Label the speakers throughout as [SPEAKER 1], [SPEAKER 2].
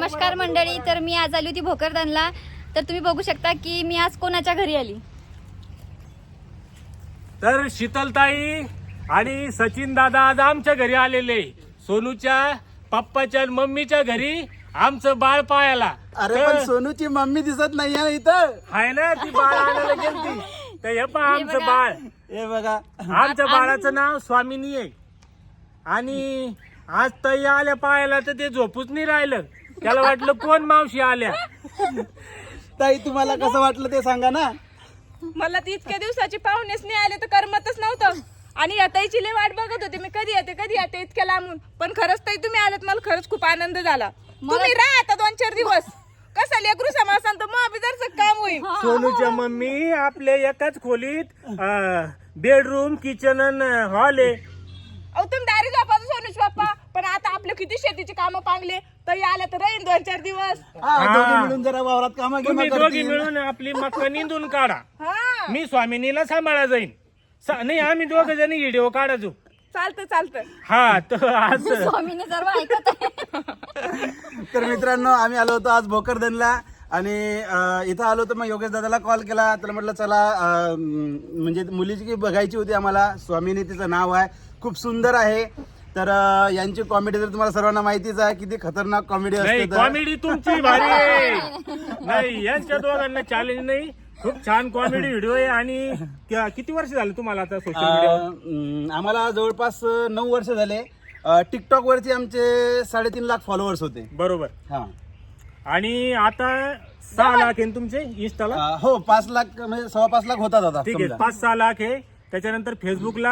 [SPEAKER 1] नमस्कार मंडळी. तर मी आज आली होती भोकरदनला. तर तुम्ही बघू शकता की मी आज कोणाच्या घरी आली.
[SPEAKER 2] तर शीतलताई आणि सचिन दादा आज आमच्या घरी आलेले. सोनूच्या पप्पाच्या मम्मीच्या घरी आमचं बाळ पाहायला.
[SPEAKER 3] अरे पण सोनूची मम्मी दिसत नाहीये इथं.
[SPEAKER 2] आहे ना, ती बाळ आणायला गेलती. तर हे पहा आमचं बाळ.
[SPEAKER 3] हे बघा,
[SPEAKER 2] आमच्या बाळाचं नाव स्वामिनी आहे. आणि आज ताई आल्या पाहायला तर ते झोपूच नाही राहिलं. त्याला वाटलं कोण मावशी आल्या.
[SPEAKER 3] ताई तुम्हाला कसं वाटलं ते सांगा ना.
[SPEAKER 4] मला ती इतक्या दिवसाची पाहुणेच नाही आले तर करमतच नव्हतं. आणि याताईची लय वाट बघत होते मी, कधी येते इतक्या लांबून. पण खरंच ताई तुम्ही आलात, मला खरंच खूप आनंद झाला. तुम्ही राहा आता 2-4 दिवस. कसं लेकरू समासान तर मग बिदरचं काम होईल.
[SPEAKER 2] सोनूच्या मम्मी आपल्या एकाच खोलीत बेडरूम, किचन आणि हॉल आहे.
[SPEAKER 4] अहो तुम्ही दारी झोपाचं सोनूच पप्पा. पण आता आपले किती शेतीची कामं पांगले, ताई आल्या तर राहीन 2-4 दिवस.
[SPEAKER 3] दोघी मिळून जरा वावरात कामं
[SPEAKER 2] तुम्ही
[SPEAKER 3] घेऊन
[SPEAKER 2] दोघी मिळून आपली मक्का निंदून काढा.
[SPEAKER 4] हा
[SPEAKER 2] मी स्वामिनीला सांभाळा जाईन. नाही, आम्ही दोघ जणी व्हिडिओ काढायचो.
[SPEAKER 4] चालतं.
[SPEAKER 2] हा, तर आज
[SPEAKER 1] स्वामीने सर्व ऐकत आहे.
[SPEAKER 3] तर मित्रांनो, आम्ही आलो होतो आज भोकरदनला. आणि इथं आलो तर मग योगेश दादाला कॉल केला. तर म्हटलं चला, म्हणजे मुलीची बघायची होती आम्हाला. स्वामिनी तिचं नाव आहे, खूप सुंदर आहे. तर यांची कॉमेडी तर तुम्हाला सर्वांना माहितीच आहे, किती खतरनाक कॉमेडी
[SPEAKER 2] नाही,
[SPEAKER 3] असते.
[SPEAKER 2] कॉमेडी तुमची भारी आहे. नाही, यांच्या दोघांना चॅलेंज नाही. खूप छान कॉमेडी व्हिडिओ आहे. आणि किती वर्ष झाले तुम्हाला आता सोशल मीडिया?
[SPEAKER 3] आम्हाला जवळपास 9 वर्ष झाले. टिकटॉक वरती आमचे 3.5 लाख फॉलोअर्स होते.
[SPEAKER 2] बरोबर.
[SPEAKER 3] हा,
[SPEAKER 2] आणि आता 6 लाख आहे ना तुमचे इंस्टाला?
[SPEAKER 3] हो, 5 लाख म्हणजे 5.25 लाख होतात आता.
[SPEAKER 2] ठीक आहे, 5-6 लाख आहे. त्याच्यानंतर फेसबुकला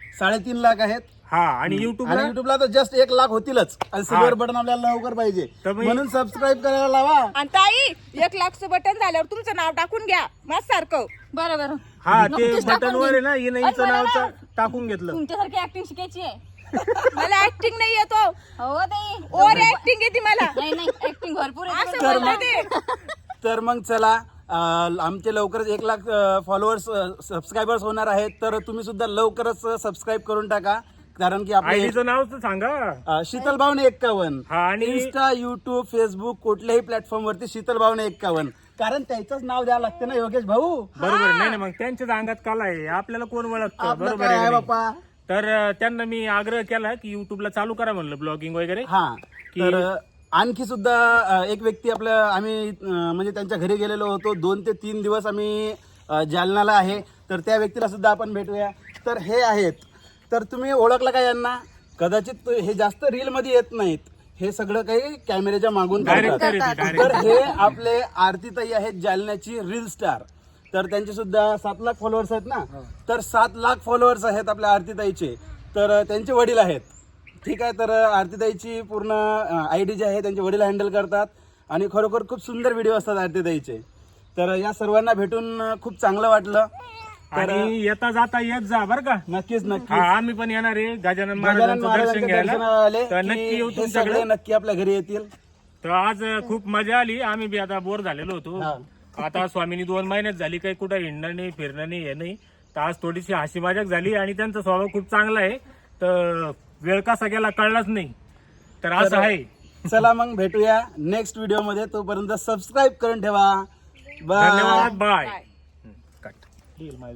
[SPEAKER 3] 3.5 लाख आहेत.
[SPEAKER 2] हा, आणि युट्यूबला
[SPEAKER 3] आणि युट्यूबला तर जस्ट 1 लाख होतीलच. आणि सिल्वर बटन आपल्याला लवकर पाहिजे,
[SPEAKER 2] तर मी-
[SPEAKER 3] म्हणून सबस्क्राईब करायला लावा.
[SPEAKER 4] आणि ताई 1 लाखचं बटन झाल्यावर तुमचं नाव टाकून घ्या मस्त सारखं.
[SPEAKER 1] बरं
[SPEAKER 2] हा, ते
[SPEAKER 1] नक्कीच
[SPEAKER 2] बटन
[SPEAKER 1] टाकून
[SPEAKER 2] वर आहे
[SPEAKER 1] देईन.
[SPEAKER 2] ना, हिनं
[SPEAKER 1] अरे
[SPEAKER 2] हिचं
[SPEAKER 1] मला
[SPEAKER 2] नाव
[SPEAKER 1] ना,
[SPEAKER 2] टाकून घेतलं.
[SPEAKER 1] तुमच्यासारखी ऍक्टिंग शिकायची आहे.
[SPEAKER 4] मला ऍक्टिंग नाही येतो,
[SPEAKER 1] हो ताई.
[SPEAKER 4] ओव्हर ऍक्टिंग येते मला.
[SPEAKER 1] नाही ऍक्टिंग भरपूर आहे.
[SPEAKER 4] असं बोलते ते.
[SPEAKER 3] तर मग चला, आमचे लवकरच 1 लाख फॉलोअर्स सबस्क्रायबर्स होणार आहेत. तर तुम्ही सुद्धा लवकरच सबस्क्राईब करून टाका. कारण की आपले
[SPEAKER 2] आयडीचं नाव तर सांगा.
[SPEAKER 3] शीतल भावने 51.
[SPEAKER 2] हा, आणि
[SPEAKER 3] इंस्टा, युट्यूब, फेसबुक कुठल्याही प्लॅटफॉर्म वरती शीतल भावने 51. कारण त्याचंच नाव द्यावं लागते ना योगेश भाऊ.
[SPEAKER 2] बरोबर. नाही, मग त्यांच्याच अंगात कला आहे. आपल्याला कोण ओळखतं?
[SPEAKER 3] आपलं
[SPEAKER 2] बरोबर
[SPEAKER 3] काय
[SPEAKER 2] आहे
[SPEAKER 3] आहे
[SPEAKER 2] का नाही?
[SPEAKER 3] बाप्पा.
[SPEAKER 2] तर त्यांना मी आग्रह केला की युट्यूबला चालू करा म्हणलं, ब्लॉगिंग वगैरे.
[SPEAKER 3] हा,
[SPEAKER 2] की-
[SPEAKER 3] तर आणखी सुद्धा एक व्यक्ती आपल्या आम्ही म्हणजे त्यांच्या घरी गेलेलो होतो. 2 ते 3 दिवस आम्ही जालन्याला आहे. तर त्या व्यक्तीला सुद्धा आपण भेटूया. तर हे आहेत. तर तुम्ही ओळखलं का यांना? कदाचित हे जास्त रील मध्ये येत नाहीत. हे सगळं काही कॅमेऱ्याच्या मागून
[SPEAKER 2] डायरेक्ट
[SPEAKER 3] करतात. तर हे आपले आरतीताई आहेत, जालन्याची रील स्टार. तर त्यांचे सुद्धा 7 लाख फॉलोअर्स आहेत ना. तर 7 लाख फॉलोअर्स आहेत आपल्या आरतीताईचे. तर त्यांचे वडील आहेत. ठीक आहे. तर आरतीताईची पूर्ण आयडी जी आहे त्यांचे वडील हँडल करतात. आणि खरोखर खूप सुंदर व्हिडिओ असतात आरतीताईचे. तर या सर्वांना भेटून खूप चांगलं वाटलं.
[SPEAKER 2] आणि येता जाता येत जा बरं का.
[SPEAKER 3] नक्कीच
[SPEAKER 2] हा, आम्ही पण येणार आहे गजानन
[SPEAKER 3] गजानन
[SPEAKER 2] महाराजांचं दर्शन
[SPEAKER 3] महाराजांच्या
[SPEAKER 2] घ्यायला.
[SPEAKER 3] दर्शनाला आले
[SPEAKER 2] तर
[SPEAKER 3] की
[SPEAKER 2] नक्की येऊ
[SPEAKER 3] हे सगळे
[SPEAKER 2] तुमच्याकडे.
[SPEAKER 3] नक्की आपल्या घरी येतील.
[SPEAKER 2] तर आज खूप मजा आली. आम्ही बी आता बोर झालेलो होतो.
[SPEAKER 3] हा.
[SPEAKER 2] आता स्वामीनी 2 महिन्यात झाली, काही कुठं हिंडणं नाही, फिरणं नाही, हे नाही. तर आज थोडीशी हसी मजाक झाली. आणि त्यांचा स्वभाव खूप चांगला आहे. तर वेळ कसा गेला कळलाच नाही. तर असं आहे.
[SPEAKER 3] चला मग भेटूया नेक्स्ट व्हिडिओ मध्ये. तोपर्यंत सबस्क्राईब करून ठेवा. बाय.
[SPEAKER 2] धन्यवाद. बाय.